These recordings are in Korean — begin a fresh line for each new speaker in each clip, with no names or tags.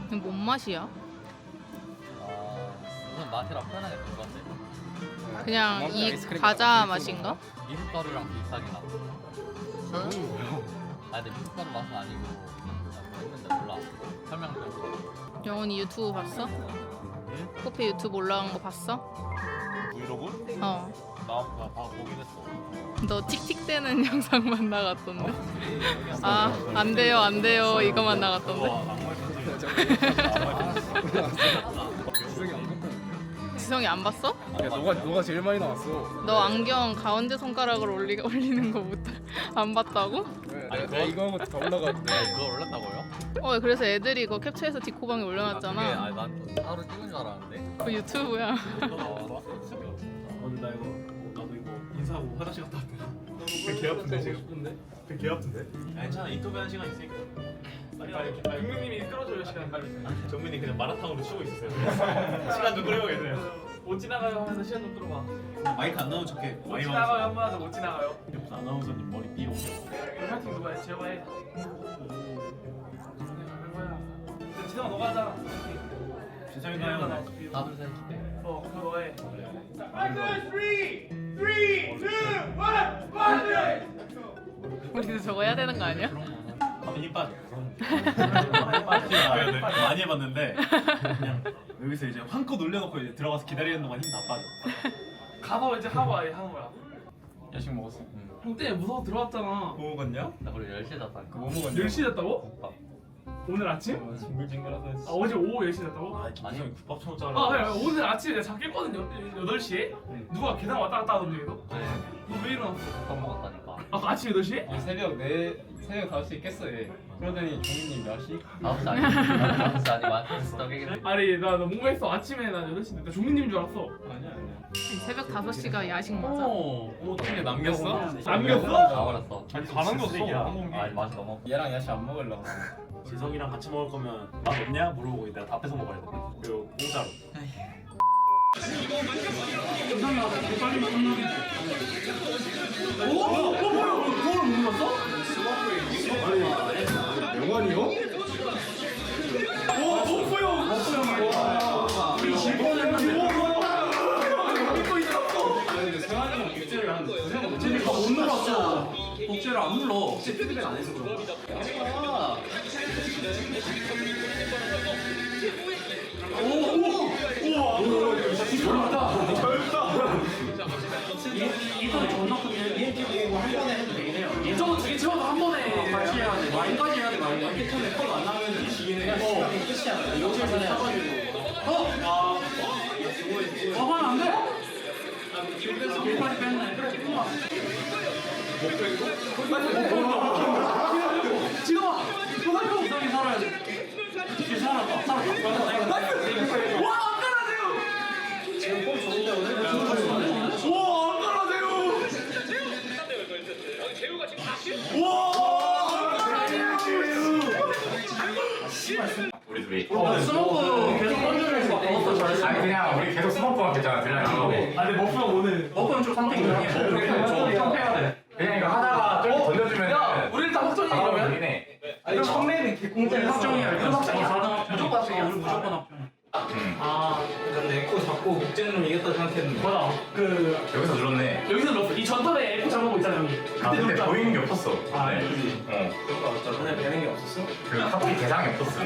이게 뭔 맛이야?
무슨 맛이라 표현하기 좀 그런데
그냥 이 과자 맛인가?
미숫가루랑 비슷하긴 하고. 근데 미숫가루 맛은 아니고 뭐 했는데 몰라. 설명 좀.
영훈이 유튜브 봤어? 커피 유튜브 올라간 거 봤어?
브이로그?
어.
나 보긴 했어.
너 틱틱대는 영상만 나갔던데? 아, 안 돼요, 안 돼요. 이거만 나갔던데? 지성이 안 봤어?
야 너가 제일 많이 나왔어.
너 안경 가운데 손가락을 올리는 거 안 봤다고?
아니 내가 이거 한 것도 다 올라갔는데.
그걸 올렸다고요?
그래서 애들이 그거 캡처해서 디코방에
그게
올려놨잖아.
난 따로 찍은 줄 알았는데.
그 유튜브야.
오늘 나 이거 나도 이거 인사하고 화장실 갔다 왔대. 배 아픈데 지금. 배 아픈데? 괜찮아 인터뷰 한 시간 있으니까. 빨리. 금명님이 끌어줘요 시간 빨리. 정민이 그냥 마라탕으로 쉬고 있었어요. 시간 좀 끌어요 계세요. 못 지나가요 하면서 시간 좀 끌어봐. 마이크 안 나오는 척해. 못 지나가요 한 번 하자 못 지나가요. 무슨 아나운서님 머리 삐 오게. 파이팅 누가 해? 제가 해. 지성아 너가 하자. 진성이 가요.
하나 둘 셋.
그거 너 해.
우리도 저거 해야 되는 거 아니야?
한번 힘 빠져. 많이 해봤는데 그냥 여기서 이제 한껏 올려놓고 이제 들어가서 기다리는 동안 힘 다 빠져.
가서 이제 하고 아예 하는 거야.
야식 먹었어?
형 때문에 무서워 들어왔잖아.
뭐 먹었냐?
나 그리고 10시에 잤다니까.
뭐 먹었냐?
10시 됐다고?
국밥.
오늘 아침?
징글징글하다.
아 어제 오후 10시 됐다고?
김성이 국밥 처먹잖아.
아 오늘 아침에 내가 잠 깼거든 8시에? 누가 계단 왔다 갔다 하던데 계속?
네.
너 왜 일어났어?
국밥 먹었다니까.
아까 아침 8시에?
새벽 5시에 깼어 얘. 그러더니 종민님 몇 시?
9시 아니야? 9시 아니면 떡이긴
아니 나 뭔가 했어. 아침에 난 8시 됐다. 종민님인 줄 알았어.
아니야.
새벽 5시가 야식 맞아.
어떻게 남겼어?
남겼어?
다 버렸어.
아니 다 남겼어.
아니 맛이 너무 없어.
얘랑 야식 안 먹으려고.
지성이랑 같이 먹을 거면 맛 없냐? 물어보고 내가 다 뺏어 먹어야 돼. 그리고 공짜로.
영환이 형?
복제를 안 눌러. 복제 피드백 안 해서 그런 거야.
이거 존나 크면 ENT 보고 한 번에 해도 되긴 해요.
저거 두개 채워서 한 번에
같이 해야 돼. 와인까지 해야 돼. 와인 이렇게 처음에 컬안 나면 지긴 해. 끝이야. 여기서 사가지고.
화는 안 돼?
그래서 길까지 뺐네.
지금아!
이성이 살아야 돼. 길 살았다. 살았다.
와! 안 깔아주세요!
지금 폼 좋은데 오늘?
와! 안 깔아주세요!
우리 둘이.
스모크 계속 건조를 먹었어. 잘했어.
아니 그냥 우리 계속 스모크만 했잖아. 그냥 이거.
아니 머프 형 오늘.
먹으면 좀 선택이야.
평평해야 돼. 그냥 이거 하다가 좀 던져주면.
야! 우리 일단 확정이 그러면?
되네.
아니 처음에는 공짜에 확정이야.
확정이야.
무조건 합정이야. 우리 무조건 합정. 아, 근데 에코 잡고 국제는 이겼다 생각했는데.
뭐야?
여기서 눌렀네.
여기서 넣었어. 이 전턴에 에코 잡아보고 있잖아 형이.
아 근데
넣었잖아.
보이는 게 없었어.
아,
네.
그지.
그거 맞다. 전에 배는 게 없었어?
그 카톡이 대상이 없었어.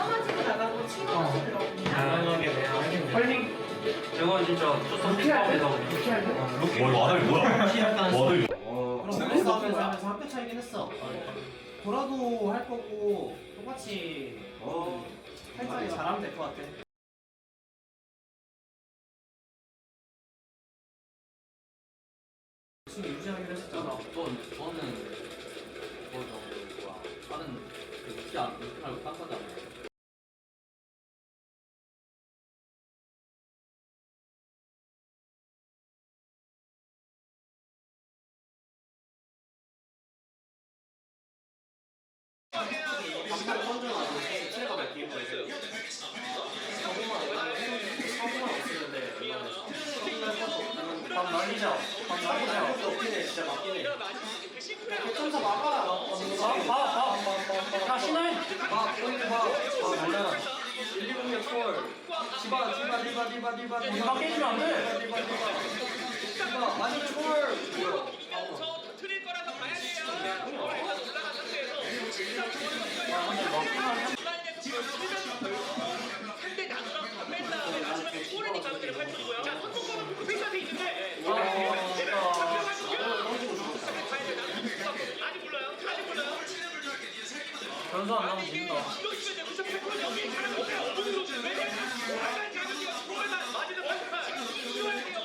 당연하게 내야 하겠네.
헐링.
저거 진짜 투썸에서
뭘 와들 뭐야? 와들.
그럼 스트레스 하면서 학교 차이긴 했어. 보라도 할 거고 똑같이 살짝이 잘하면 될 것 같아. 열심히 유지하기로 했었잖아.
저는 그거 뭐야? 다른 그 유치 말고 딴 거잖아.
감사를 선정하고 체력가 몇 개인 거예요? 사고만 없었는데 밥 날리자. 밥 날리자. 없긴 해. 진짜 맞긴 해. 개점사 막아. 봐. 야 신호해. 봐. 봐. 봐. 날려.
막 깨지면 안 돼.
틀릴 거라서 봐야 돼요. 올라간 상대 나가서 뺀 다음에 마지막에 꼬르니까 그대로 펼쳐주고요. 자, 선수권은 빅샷에 있는데. 아직 몰라요. 아직 몰라요.
변수 안 나오면 진다.
이거 있으면 무슨 패턴이 여기 사람 오면 어디로 왜? 약간 자극이가 프로에만 맞이는 못할. 이거야 돼요.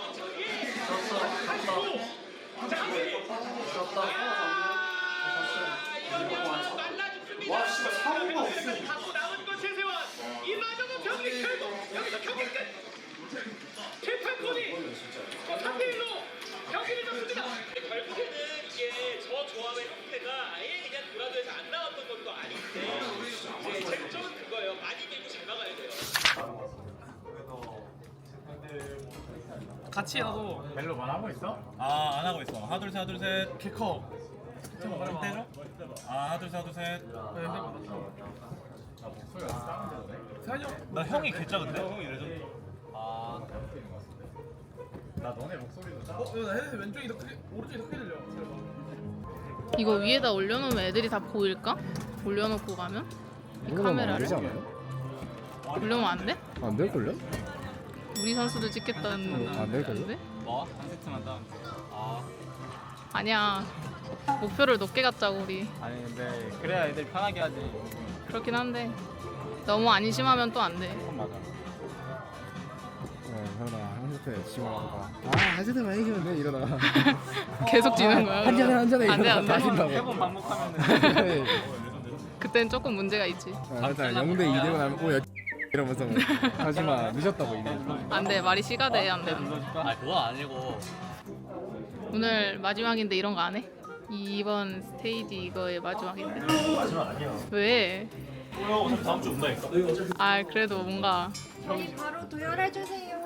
와, 진짜 사고가 없어. 갖고 남은 건 최세원. 이마저도 경기 결국 여기서 경기 끝. 재판권이 3대1로 경기를 졌습니다. 결국에는 이게 저 조합의 형태가 아예 그냥 도라도에서 안 나왔던 것도 아닌데 이제 쟁점은 그거예요. 많이 밀고 잘 막아야 돼요.
같이 하고.
멜로 말하고 있어?
아, 안 하고 있어. 하나 둘 셋, 하나 둘 셋.
개 커.
좀 떼줘. 아, 하나 둘 셋, 하나 둘 셋.
세환이 형.
나 형이 개 작은데? 형이 레전드. 아, 나 너네 목소리도 작아.
나 헤드 왼쪽이 더 크게, 오른쪽이 더 크게 들려.
이거 위에다 올려놓으면 애들이 다 보일까? 올려놓고 가면? 이 카메라를? 올려놓으면 안 돼?
안 될걸요?
우리 선수들 찍겠다는
안 될걸요?
건데?
뭐? 한 세트만 따면 돼.
아,
아니야. 목표를 높게 갖자고 우리.
아니 근데 그래야 애들 편하게 하지.
그렇긴 한데 너무 안심하면 또 안 돼.
그건 맞아.
현아 한 세트 지금 한 세트만 이기면 돼 이러다가
계속 지는 거야.
한 잔에 한 잔에
안 돼,
이러다가
안
다
돼.
진다고.
세번 반복하면은
그땐 조금 문제가 있지.
일단 0대 2되고 나면 오 야 이러면서 하지마 늦었다고 이게.
안 돼. 말이 씨가 돼. 안 돼.
아 그건 아니고.
오늘 마지막인데 이런 거 안 해? 이번 스테이지 이거의 마지막인데.
마지막 아니야.
왜?
어차피 다음 주 온다니까.
아 그래도 뭔가
저희 바로 도열해주세요.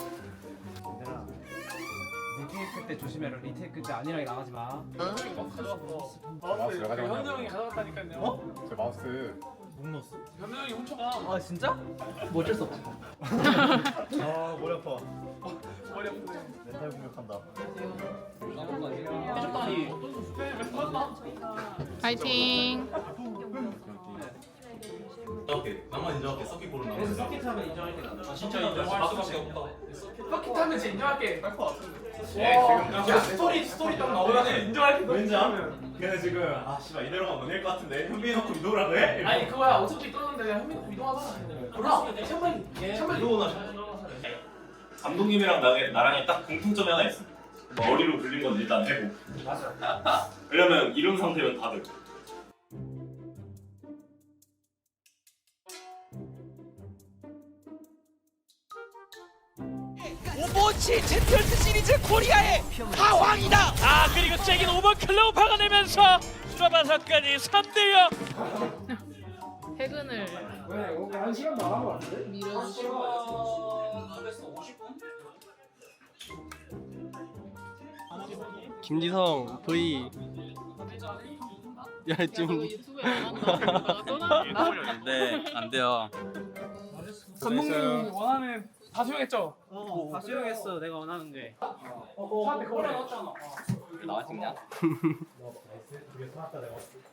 리테이크 때 조심해라. 리테이크 때 아니랑 나가지 마.
마우스 왜 가져갔냐?
현우 형이 가져갔다니까요.
어?
제 마우스
목 넣었어.
현우 형이 훔쳐가.
아 진짜? 뭐 어쩔 수 없지.
아 머리 아파.
머리 아픈데.
멘탈 공격한다.
해줬다니.
파이팅.
인정할게. 나만 인정할게. 썩기 고른 나.
그래서 서킷 하면 인정할게 나는.
진짜 인정할 수밖에 없다.
서킷 하면 진짜 인정할게.
할것 같은데.
야, 스토리 딱 나오면 인정할게.
왠지 하면. 걔네 지금 아 씨발 이대로 가면 못낼것 같은데 현빈이 놓고 이동을 해?
아니 그거야. 어차피 떠는데 그냥 현민 이동하잖아. 몰라. 샴바이
이동은
감독님이랑 나랑이 딱 공통점이 하나 있어. 머리로 굴린 건 일단 해고.
맞아.
왜냐면 이런 상태면 다들.
오버워치 챔피언스 시리즈 코리아의 하왕이다. 아 그리고 잭인 오버클로우 박아내면서 수라바사까지 3대0.
퇴근을
왜? 한 시간 나간 거 같은데?
미뤄주시고
김지성 V. 야 지금
유튜브에 나간다. 떠나?
네, 안 돼요.
감독님이 원하는 다 수용했죠?
다 수용했어. 내가 원하는 게.
사한테 그걸 넣었잖아.
나와 찍냐?